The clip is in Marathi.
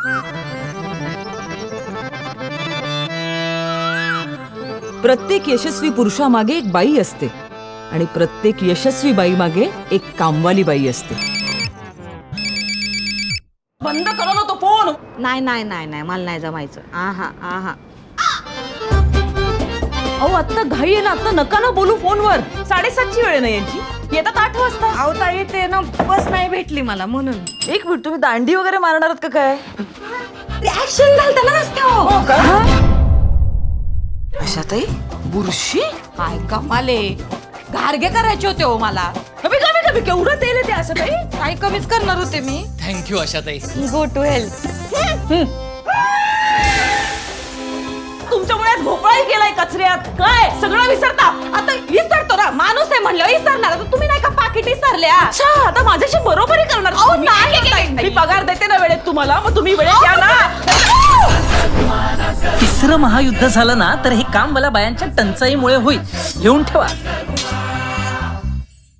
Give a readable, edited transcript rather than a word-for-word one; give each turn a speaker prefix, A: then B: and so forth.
A: प्रत्येक यशस्वी पुरुषामागे एक बाई असते आणि प्रत्येक यशस्वी बाई मागे एक कामवाली बाई असते. बंद करा ना तो फोन.
B: नाही नाही नाही नाही मला नाही जमायचं. आहा आहा.
A: अहो आत्ता घाई आहे ना, आता नका ना बोलू फोनवर. 7:30ची वेळ नाही यांची. येतात 8 वाजता.
B: अहो ताई ते ना बस नाही भेटली मला म्हणून.
A: एक मिनिट, तुम्ही दांडी वगैरे मारणार आहात का काय?
B: ऍक्शन झालं त्याला रस्त्यावर.
A: हो का? आशाताई बुरशी
B: काय कमाले घारगे करायचे होते हो मला.
A: कमी कमी कमी केवढं तेल आहे ते आशाताई.
B: काय कमीच करणार होते मी.
C: Thank you Ashatai.
B: Go to health.
A: तुमच्यामुळे भोपळाही केलाय कचऱ्यात. काय सगळं विसरता?
B: आता विसरतो ना, माणूस आहे म्हणलं विसरणार. आता तुम्ही नाही का पाकिट विसरल्या.
A: अच्छा, आता माझ्याशी बरोबरी करणार तुम्ही? मी पगार देते ना वेळेत तुम्हाला, मग तुम्ही वेळेत द्या ना.
C: तिसरं महायुद्ध झालं ना तर हे काम मला बायांच्या टंचाईमुळे होईल. घेऊन ठेवा.